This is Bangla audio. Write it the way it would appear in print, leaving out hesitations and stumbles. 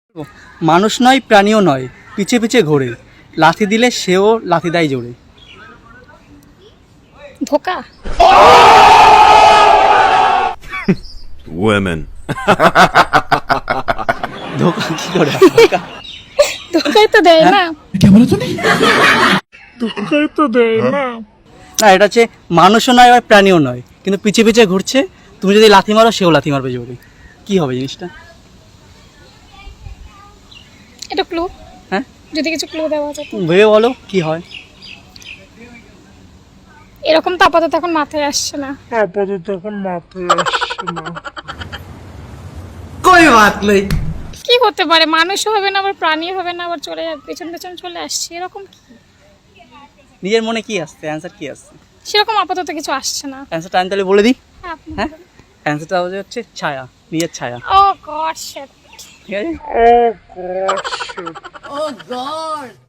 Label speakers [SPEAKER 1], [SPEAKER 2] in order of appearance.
[SPEAKER 1] মানুষ নয় প্রাণীও নয়, পিছে পিছে ঘোরে, লাথি দিলে সেও লাথি দেয় জোরে।
[SPEAKER 2] ধোকা।
[SPEAKER 3] Women.
[SPEAKER 1] ধোকা কি করে হয়? ধোকা?
[SPEAKER 2] ধোকাই তো দেয় না। ধোকাই তো দেয় না।
[SPEAKER 1] না, এটা হচ্ছে মানুষও নয় আবার প্রাণীও নয়, কিন্তু পিছে পিছে ঘুরছে, তুমি যদি লাথি মারো সেও লাথি মারবে জোরে। কি হবে জিনিসটা?
[SPEAKER 2] এটা ক্লু।
[SPEAKER 1] হ্যাঁ,
[SPEAKER 2] যদি কিছু ক্লু দেওয়া যেত।
[SPEAKER 1] ভেবে বলো কি হয়।
[SPEAKER 2] এরকম তো আপাতত এখন মাথায় আসছে না।
[SPEAKER 1] কই বাত নেই।
[SPEAKER 2] কি হতে পারে? মানুষও হবে না, আবার প্রাণী হবে না, আবার চলে যাবে, পেছন পেছন চলে আসছে, এরকম কি?
[SPEAKER 1] নিজের মনে কি আসছে, অ্যান্সার কি আসছে?
[SPEAKER 2] সেরকম আপাতত কিছু আসছে না।
[SPEAKER 1] অ্যান্সারটা আমি তাহলে বলে দিই।
[SPEAKER 2] হ্যাঁ, আপনি
[SPEAKER 1] হ্যাঁ,
[SPEAKER 2] বলুন।
[SPEAKER 1] অ্যান্সারটা হচ্ছে ছায়া, নিজের ছায়া।
[SPEAKER 2] Oh god shit.
[SPEAKER 1] ঠিক আছে।